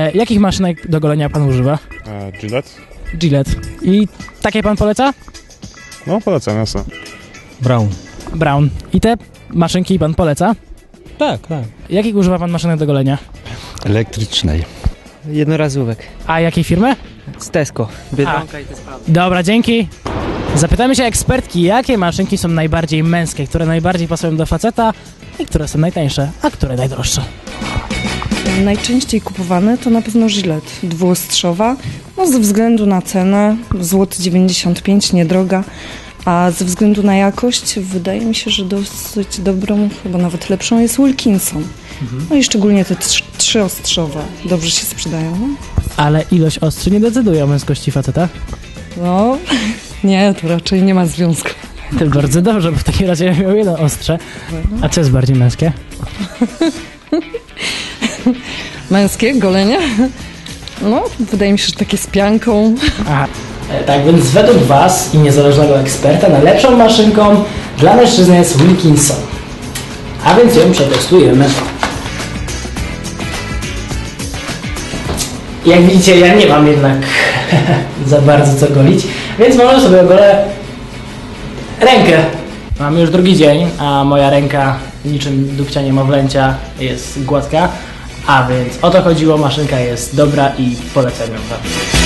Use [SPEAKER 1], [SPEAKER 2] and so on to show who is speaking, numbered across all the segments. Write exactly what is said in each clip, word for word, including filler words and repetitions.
[SPEAKER 1] E, jakich maszynek do golenia pan używa?
[SPEAKER 2] E, Gillette?
[SPEAKER 1] Gillette. I takie pan poleca?
[SPEAKER 2] No, polecam, jasne.
[SPEAKER 3] Brown.
[SPEAKER 1] Brown. I te maszynki pan poleca?
[SPEAKER 3] Tak, tak.
[SPEAKER 1] Jakich używa pan maszynek do golenia?
[SPEAKER 4] Elektrycznej.
[SPEAKER 5] Jednorazówek.
[SPEAKER 1] A jakiej firmy?
[SPEAKER 5] Z Tesco. Biedronka i te sprawy.
[SPEAKER 1] Dobra, dzięki. Zapytamy się ekspertki, jakie maszynki są najbardziej męskie, które najbardziej pasują do faceta i które są najtańsze, a które najdroższe.
[SPEAKER 6] Najczęściej kupowane to na pewno Gillette dwuostrzowa, no ze względu na cenę, złoty dziewięćdziesiąt pięć, niedroga, a ze względu na jakość wydaje mi się, że dosyć dobrą, chyba nawet lepszą jest Wilkinson. Mhm. No i szczególnie te trzy, trzyostrzowe dobrze się sprzedają. No?
[SPEAKER 1] Ale ilość ostrzy nie decyduje o męskości faceta?
[SPEAKER 6] No, nie, to raczej nie ma związku.
[SPEAKER 1] To bardzo dobrze, bo w takim razie miał jedno ostrze. A co jest bardziej męskie?
[SPEAKER 6] Męskie golenie? No, wydaje mi się, że takie z pianką.
[SPEAKER 1] Aha. Tak więc według was i niezależnego eksperta najlepszą maszynką dla mężczyzny jest Wilkinson. A więc ją przetestujemy. Jak widzicie, ja nie mam jednak za bardzo co golić, więc może sobie ogolę rękę. Mam już drugi dzień, a moja ręka niczym dupcia niemowlęcia jest gładka, a więc o to chodziło, maszynka jest dobra i polecam ją wam.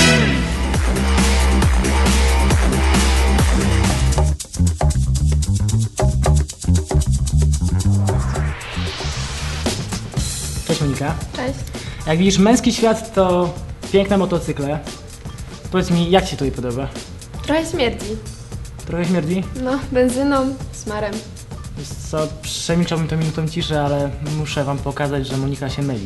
[SPEAKER 1] Cześć Monika.
[SPEAKER 7] Cześć.
[SPEAKER 1] Jak widzisz, męski świat to piękne motocykle. Powiedz mi, jak ci to podoba?
[SPEAKER 7] Trochę śmierdzi.
[SPEAKER 1] Trochę śmierdzi?
[SPEAKER 7] No, benzyną, smarem.
[SPEAKER 1] Wiesz co, przemilczałbym to minutą ciszy, ale muszę wam pokazać, że Monika się myli.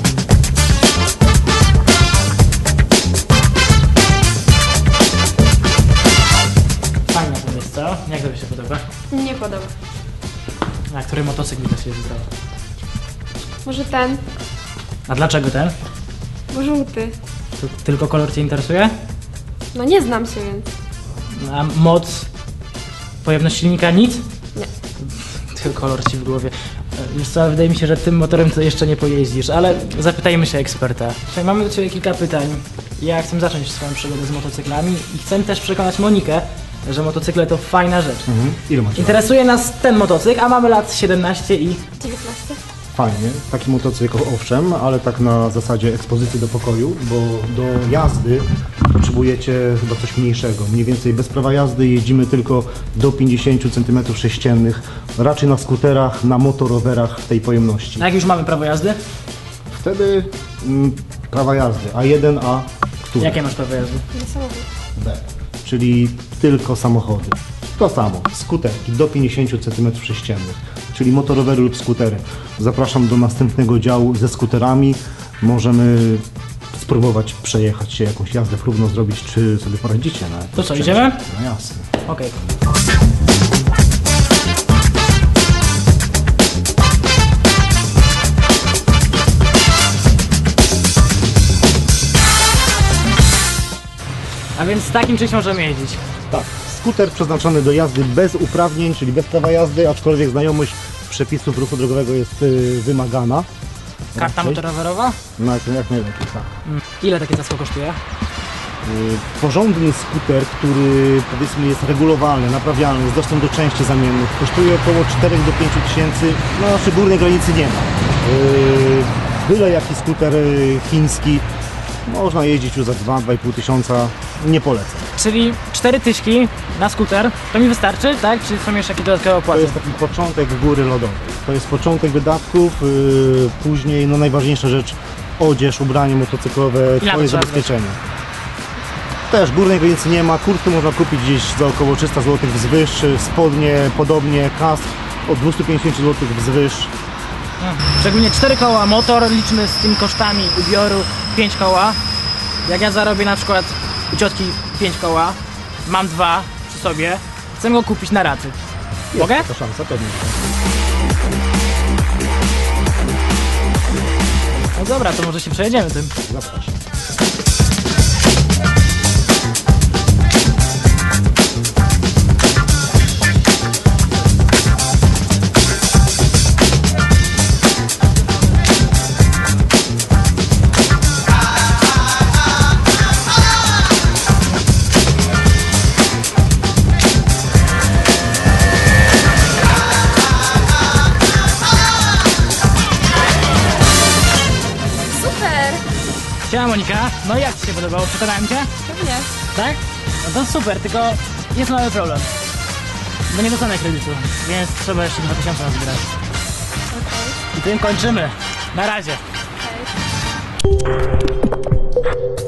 [SPEAKER 1] Fajna to jest, co? Jak to się podoba?
[SPEAKER 7] Nie podoba.
[SPEAKER 1] A który motocykl mi to się wybrał?
[SPEAKER 7] Może ten,
[SPEAKER 1] A dlaczego ten?
[SPEAKER 7] bo żółty.
[SPEAKER 1] To tylko kolor cię interesuje?
[SPEAKER 7] No nie znam się, więc
[SPEAKER 1] A moc? Pojemność silnika? Nic?
[SPEAKER 7] nie.
[SPEAKER 1] Tylko kolor ci w głowie. Wiesz co, wydaje mi się, że tym motorem to jeszcze nie pojeździsz, ale zapytajmy się eksperta. Słuchaj, mamy do ciebie kilka pytań. Ja chcę zacząć swoją przygodę z motocyklami i chcę też przekonać Monikę, że motocykle to fajna rzecz.
[SPEAKER 8] Mhm. Ile macie lat?
[SPEAKER 1] Interesuje nas ten motocykl, a mamy lat siedemnaście i...
[SPEAKER 7] dziewiętnaście.
[SPEAKER 8] Fajnie, taki motocykl owszem, ale tak na zasadzie ekspozycji do pokoju, bo do jazdy potrzebujecie chyba coś mniejszego. Mniej więcej bez prawa jazdy jeździmy tylko do pięćdziesiąt centymetrów sześciennych, raczej na skuterach, na motorowerach tej pojemności.
[SPEAKER 1] A jak już mamy prawo jazdy?
[SPEAKER 8] Wtedy mm, prawa jazdy A jeden, A który?
[SPEAKER 1] Jakie masz prawo jazdy?
[SPEAKER 7] Na samochód.
[SPEAKER 8] B, czyli tylko samochody. To samo, skuterki do pięćdziesiąt centymetrów sześciennych, czyli motorowery lub skutery. Zapraszam do następnego działu ze skuterami. Możemy spróbować przejechać się, jakąś jazdę próbną zrobić, czy sobie poradzicie. Na
[SPEAKER 1] To co, idziemy?
[SPEAKER 8] No jasne.
[SPEAKER 1] Okej. A więc z takim czymś możemy jeździć.
[SPEAKER 8] Tak, skuter przeznaczony do jazdy bez uprawnień, czyli bez prawa jazdy, aczkolwiek znajomość przepisów ruchu drogowego jest y, wymagana.
[SPEAKER 1] Karta
[SPEAKER 8] Raczej.
[SPEAKER 1] motorowerowa?
[SPEAKER 8] No jak, jak najlepiej, tak.
[SPEAKER 1] Mm. Ile takie zasło kosztuje?
[SPEAKER 8] Y, porządny skuter, który powiedzmy jest regulowalny, naprawialny, z dostępem do części zamiennych, kosztuje około czterech do pięciu tysięcy, no naszej górnej granicy nie ma. Y, byle jaki skuter y, chiński, można jeździć już za dwa do dwóch i pół tysiąca, nie polecam.
[SPEAKER 1] Czyli cztery tyśki na skuter, to mi wystarczy, tak? Czy są jeszcze jakieś dodatkowe
[SPEAKER 8] To
[SPEAKER 1] opłaty?
[SPEAKER 8] jest taki początek góry lodowej. To jest początek wydatków, yy, później no najważniejsza rzecz, odzież, ubranie motocyklowe,
[SPEAKER 1] Ile
[SPEAKER 8] twoje
[SPEAKER 1] trzeba
[SPEAKER 8] zabezpieczenie. Też górnej granicy nie ma, kurtkę można kupić gdzieś za około trzysta złotych wzwyż, spodnie podobnie, kask od dwieście pięćdziesiąt złotych wzwyż.
[SPEAKER 1] Szczególnie cztery koła, motor, liczmy z tymi kosztami ubioru pięć koła. Jak ja zarobię na przykład u ciotki pięć koła, mam dwa przy sobie, chcę go kupić na raty. Mogę?
[SPEAKER 8] Jest taka szansa, pewnie.
[SPEAKER 1] No dobra, to może się przejedziemy tym.
[SPEAKER 8] Zapraszam.
[SPEAKER 1] Siema Monika, no i jak Ci się podobało? Przekonałem Cię?
[SPEAKER 7] Pewnie.
[SPEAKER 1] Tak? No to super, tylko jest mały problem. Bo nie dostanę kredytu, więc trzeba jeszcze dwa tysiące nazbierać.
[SPEAKER 7] Okej.
[SPEAKER 1] I tym kończymy. Na razie.
[SPEAKER 7] Okay.